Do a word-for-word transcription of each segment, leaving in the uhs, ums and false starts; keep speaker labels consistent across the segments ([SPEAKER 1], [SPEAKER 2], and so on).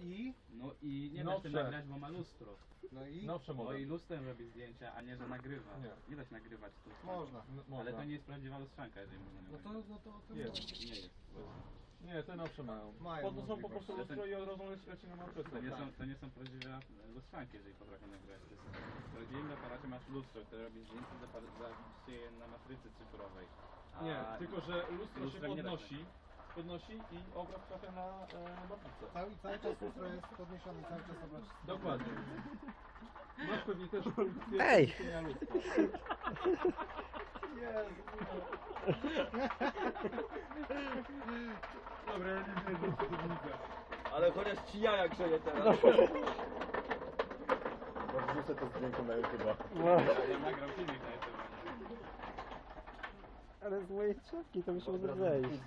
[SPEAKER 1] I?
[SPEAKER 2] No i nie da
[SPEAKER 3] Nowsze.
[SPEAKER 2] się nagrać, bo ma lustro.
[SPEAKER 1] No i?
[SPEAKER 3] Nowsze
[SPEAKER 2] No
[SPEAKER 3] model.
[SPEAKER 2] i lustrem robi zdjęcia, a nie, że nagrywa.
[SPEAKER 3] Nie.
[SPEAKER 2] Nie da się nagrywać tu.
[SPEAKER 1] Można.
[SPEAKER 3] N-
[SPEAKER 2] Ale
[SPEAKER 3] można.
[SPEAKER 2] to nie jest prawdziwa lustrzanka, jeżeli można nie
[SPEAKER 1] No to, no to o tym
[SPEAKER 3] Jest.
[SPEAKER 1] mówię.
[SPEAKER 2] Nie jest.
[SPEAKER 3] Nie, te nowsze mają.
[SPEAKER 1] Mają
[SPEAKER 3] Po to są po
[SPEAKER 1] możliwość.
[SPEAKER 3] prostu lustro i od razu leci leci na matrycę.
[SPEAKER 2] To nie, są, to nie są prawdziwe lustrzanki, jeżeli potrafią nagrywać. To jest, w prawdziwym aparacie masz lustro, które robi zdjęcie, zawisie je na matrycy cyfrowej. A
[SPEAKER 3] Nie, tylko że lustro się
[SPEAKER 2] lustrem nie da się.
[SPEAKER 3] podnosi, podnosi i obraz trafia na e, matrycę.
[SPEAKER 1] Cały, cały czas lustro jest podniesione, cały czas obraz.
[SPEAKER 3] Dokładnie. Masz pewnie też
[SPEAKER 4] Ej!
[SPEAKER 3] istnienia lustra. Jezu, Dobra, ja nie wiem, co to widzę.
[SPEAKER 5] Ale chociaż ci jaja grzeje teraz. Bo wrzucę to zdjęcie na YouTube'a.
[SPEAKER 2] Ja nagram filmik na YouTube.
[SPEAKER 4] Ale z mojej czapki to musimy zejść.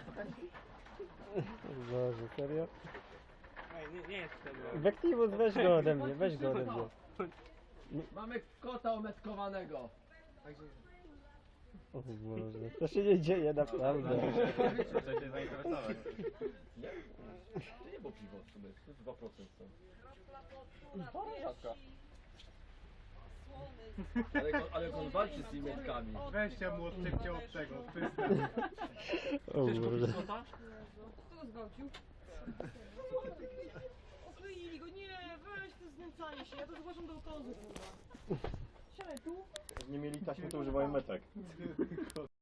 [SPEAKER 4] Boże, serio?
[SPEAKER 2] Nie, nie jest tego.
[SPEAKER 4] Vectivus, weź go ode mnie, weź go ode mnie.
[SPEAKER 5] Mamy kota ometkowanego.
[SPEAKER 1] Także
[SPEAKER 4] O Boże, to się nie dzieje naprawdę.
[SPEAKER 2] Muszę się zainteresować.
[SPEAKER 5] Nie? To nie było piwo w sumie, to jest dwa procent są. Rzadka. Ale, on- ale on walczy z tymi metkami.
[SPEAKER 1] weźcie mu odczepcie od tego.
[SPEAKER 4] O Boże.
[SPEAKER 6] Kto go zgwałcił? Okleili go, nie, weź to znęcanie się, ja to zgłaszam do okozu, kurwa. Siadaj tu.
[SPEAKER 5] Nie mieli taśmy, to używają metek.